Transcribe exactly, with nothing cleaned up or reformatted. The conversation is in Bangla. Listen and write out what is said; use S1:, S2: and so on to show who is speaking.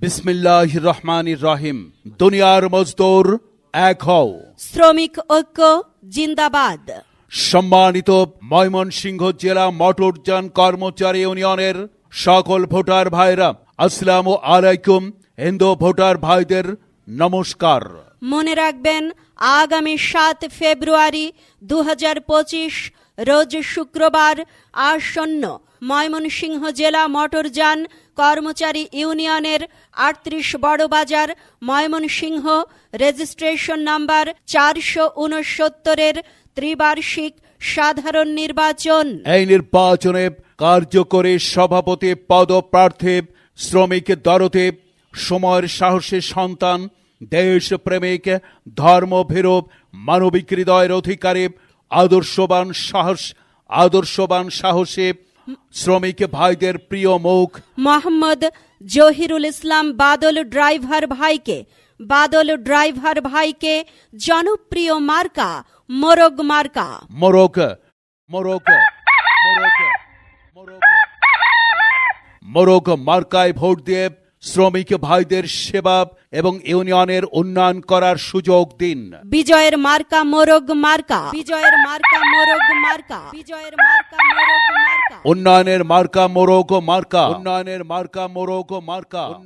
S1: বিসমিল্লাহির রহমানির রহিম। দুনিয়ার মজদুর এক হও,
S2: শ্রমিক ঐক্য জিন্দাবাদ।
S1: সম্মানিত ময়মনসিংহ জেলা মোটরযান কর্মচারী ইউনিয়নের সকল ভোটার ভাইরা, আসসালামু আলাইকুম। হিন্দু ভোটার ভাইদের নমস্কার।
S2: মনে রাখবেন, আগামী সাত ফেব্রুয়ারি দু হাজার পঁচিশ রোজ শুক্রবার আসন্ন ময়মনসিংহ জেলা মোটরযান কর্মচারী ইউনিয়নের আটত্রিশ বড়বাজার ময়মনসিংহ রেজিস্ট্রেশন নাম্বার চারশো উনসত্তরের ত্রিবার্ষিক সাধারণ নির্বাচন।
S1: এই নির্বাচনে কার্যকরী সভাপতি পদপ্রার্থী শ্রমিক দরদে, সময়ের সাহসী সন্তান, দেশপ্রেমিক, ধর্মভীরু, মানবিক হৃদয়ের অধিকারী, আদর্শবান সাহস আদর্শবান সাহসী শ্রমিক ভাইদের প্রিয় মুখ
S2: মোহাম্মদ জহিরুল ইসলাম বাদল ড্রাইভার ভাইকে বাদল ড্রাইভার ভাইকে জনপ্রিয় মার্কা মোরগ মার্কা।
S1: মোরগ মোরগ মোরগ মোরগ মোরগ মার্কায় ভোট দিয়ে শ্রমিক ভাইদের সেবা এবং ইউনিয়নের উন্নয়ন করার সুযোগ দিন।
S2: বিজয়ের মার্কা মোরগ মার্কা। বিজয়ের মার্কা মোরগ মার্কা। বিজয়ের মার্কা মোরগ মার্কা।
S1: উন্নয়নের মার্কা মোরগ মার্কা। উন্নয়নের মার্কা মোরগ মার্কা।